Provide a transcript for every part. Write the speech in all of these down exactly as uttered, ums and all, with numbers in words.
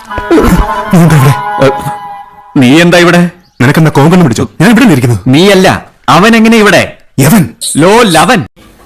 നീ എന്താ ഇവിടെ? നിനക്കെന്താ കോങ്കണ്ണം പിടിച്ചോ? ഞാൻ ഇവിടെ ഇരിക്കുന്നു. നീയല്ല, അവൻ എങ്ങനെ ഇവിടെ? യവൻ ലോ ലവൻ.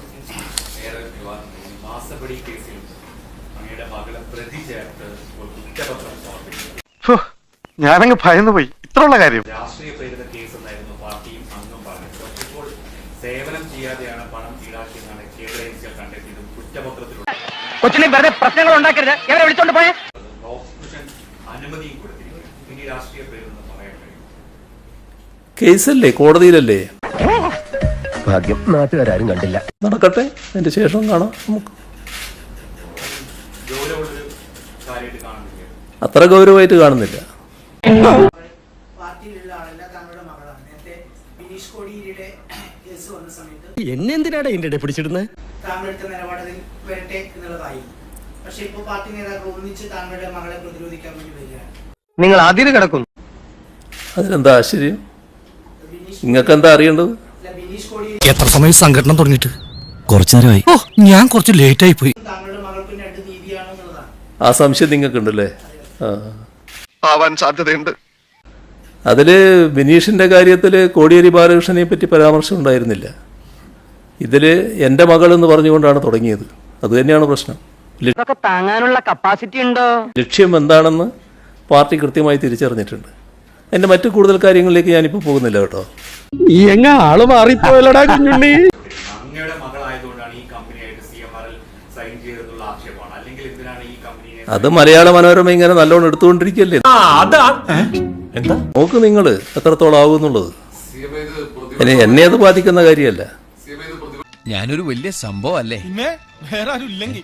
ഞാനങ്ങ് ഭയന്നു പോയി. ഇത്രയുള്ള കാര്യം. രാഷ്ട്രീയ പ്രേരിത കേസ് എന്നായിരുന്നു പാർട്ടിയും അംഗം പറഞ്ഞത്. ഇപ്പോൾ സേവനം ചെയ്യാതെയാണ് പണം ഈടാക്കിയെന്നാണ് കേന്ദ്ര ഏജൻസികൾ കണ്ടെത്തിയതും കുറ്റപത്രത്തിലുള്ള കൊച്ചിനെ വെറുതെ പ്രശ്നങ്ങൾ ഉണ്ടാക്കരുത്. എവരെ വിളിച്ചോണ്ട് പോയേ. പ്രോസിക്യൂഷൻ അനുമതിയും കൊടുത്തിരിക്കുന്നു. ഇനി രാഷ്ട്രീയ പ്രേരിതെന്ന് പറയാൻ കഴിയും. കേസല്ലേ, കോടതിയിലല്ലേ? ഭാഗ്യം നാട്ടുകാരും കണ്ടില്ല. നടക്കട്ടെ, അതിന്റെ ശേഷം കാണാം നമുക്ക്. ഗൗരവമുള്ളൊരു കാര്യമായിട്ട് കാണുന്നില്ല. അത്ര ഗൗരവമായിട്ട് കാണുന്നില്ല. പാർട്ടിയിലുള്ള ആളല്ല, താങ്കളുടെ മകളാണ്. നേരത്തെ ബിനീഷ് കോടിയേരിയുടെ കേസ് വന്ന സമയത്ത് എന്നെന്തിനാണ് ഇതിന്റെ പിടിച്ചിടുന്നത്? താങ്കളെടുത്ത നിലപാടിൽ വരട്ടെ എന്നുള്ളതായി. പക്ഷെ ഇപ്പൊ പാർട്ടി നേതാക്കൾ ഒന്നിച്ച് താങ്കളുടെ മകളെ പ്രതിരോധിക്കാൻ വേണ്ടി വരികയാണ്. നിങ്ങൾ അതിന് കിടക്കുന്നു. അതിലെന്താ ആശ്ചര്യം? നിങ്ങൾക്ക് എന്താ അറിയേണ്ടത്? ബിനീഷ് കോടിയേരി എത്ര സമയം സംഘടന തുടങ്ങിയിട്ട്? കുറച്ചു നേരമായി. ഓ, ഞാൻ കുറച്ച് ലേറ്റ് ആയി പോയി. താങ്കളുടെ മകൾക്കും രണ്ട് നീതിയാണ് എന്നുള്ളതാണ്. ആ സംശയം നിങ്ങൾക്കുണ്ടല്ലേ? ആ, ആവാൻ സാധ്യതയുണ്ട്. അതില് ബിനീഷിന്റെ കാര്യത്തില് കോടിയേരി ബാലകൃഷ്ണനെ പറ്റി പരാമർശം ഉണ്ടായിരുന്നില്ല. ഇതില് എൻ്റെ മകൾ എന്ന് പറഞ്ഞുകൊണ്ടാണ് തുടങ്ങിയത്. അത് തന്നെയാണ് പ്രശ്നം. ഇതൊക്കെ താങ്ങാനുള്ള കപ്പാസിറ്റി ഉണ്ടോ? ലക്ഷ്യം എന്താണെന്ന് പാർട്ടി കൃത്യമായി തിരിച്ചറിഞ്ഞിട്ടുണ്ട്. എൻ്റെ മറ്റു കൂടുതൽ കാര്യങ്ങളിലേക്ക് ഞാനിപ്പോൾ പോകുന്നില്ല കേട്ടോ. ആള് മാറിപ്പോയല്ലോടാ കുഞ്ഞുണ്ണി. അങ്ങയുടെ മകളായതുകൊണ്ടാണ് ഈ കമ്പനിയായിട്ട് C M R L sign ചെയ്തെന്നുള്ള ആക്ഷേപമാണ്. അല്ലെങ്കിൽ എന്തിനാണ് ഈ കമ്പനിയെ അത് മലയാള മനോരമ ഇങ്ങനെ നല്ലോണം എടുത്തുകൊണ്ടിരിക്കല്ലേ. എന്താ നോക്ക് നിങ്ങൾ എത്രത്തോളം ആകുന്നുള്ളത്. ഇനി എന്നെ അത് ബാധിക്കുന്ന കാര്യമല്ല. ഞാനൊരു വലിയ സംഭവം അല്ലേ? വേറെ ആരും ഇല്ലെങ്കിൽ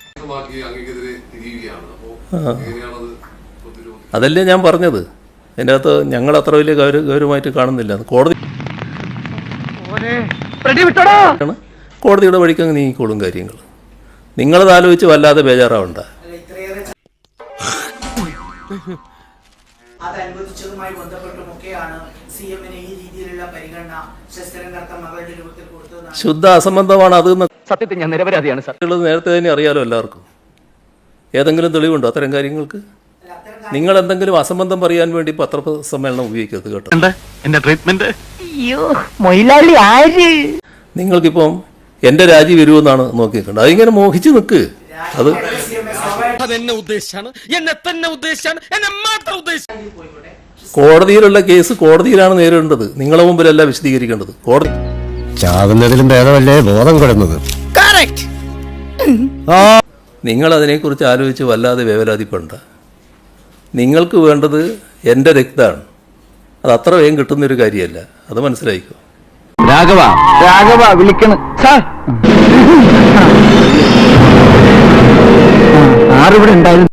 അതല്ലേ ഞാൻ പറഞ്ഞത്. അതിൻ്റെ അകത്ത് ഞങ്ങൾ അത്ര വലിയ ഗൗരവ ഗൗരവമായിട്ട് കാണുന്നില്ല. കോടതി കോടതിയുടെ വഴിക്ക് അങ്ങ് നീങ്ങിക്കോളും കാര്യങ്ങൾ. നിങ്ങളത് ആലോചിച്ച് വല്ലാതെ ബേജാറാവണ്ട. അല്ല, ഇത്രയേറെ അത് അനുവദിച്ചതുമായി ബന്ധപ്പെട്ടുമൊക്കെയാണ് സി എമ്മിന് ഈ രീതിയിലുള്ള പരിഗണന ശസ്ത്രം കർത്ത മകളുടെ രൂപത്തിൽ കൊടുത്തതാണ്. ശുദ്ധ അസംബന്ധമാണ് അത്. സത്യത്തിൽ ഞാൻ നിരപരാധിയാണ് സാർ. നേരത്തെ തന്നെ അറിയാലോ എല്ലാവർക്കും. ഏതെങ്കിലും തെളിവുണ്ടോ അത്തരം കാര്യങ്ങൾക്ക്? നിങ്ങൾ എന്തെങ്കിലും അസംബന്ധം പറയാൻ വേണ്ടി പത്രസമ്മേളനം ഉപയോഗിക്കരുത് കേട്ടോ. എന്റെ ട്രീറ്റ്മെന്റ് അയ്യോ മൊയിലാളി ആര്? നിങ്ങൾക്കിപ്പം എൻ്റെ രാജി വരുമെന്നാണ് നോക്കിയിട്ടുണ്ട്. അതിങ്ങനെ മോഹിച്ച് നിൽക്ക്. അത് അതെന്നെ ഉദ്ദേശിച്ചാണ്, എന്നെ തന്നെ ഉദ്ദേശിച്ചാണ്, എന്നെ മാത്രം ഉദ്ദേശിച്ചാണ്. കോടതിയിലുള്ള കേസ് കോടതിയിലാണ് നേരിടേണ്ടത്. നിങ്ങളെ മുമ്പിലല്ല വിശദീകരിക്കേണ്ടത്. കോടതി ചാകുന്നതിലും ഭേദമല്ലേ ബോധം കിടന്നത്. നിങ്ങൾ അതിനെക്കുറിച്ച് ആലോചിച്ച് വല്ലാതെ വേവലാതിപ്പെടണ്ട. നിങ്ങൾക്ക് വേണ്ടത് എൻ്റെ രക്തമാണ്. അത് അത്ര വേഗം കിട്ടുന്നൊരു കാര്യമല്ല. അത് മനസ്സിലായിക്കോ. രാഘവ രാഘവ വിളിക്കണം സാർ. ആറിവിടെ ഉണ്ടായിരുന്നു.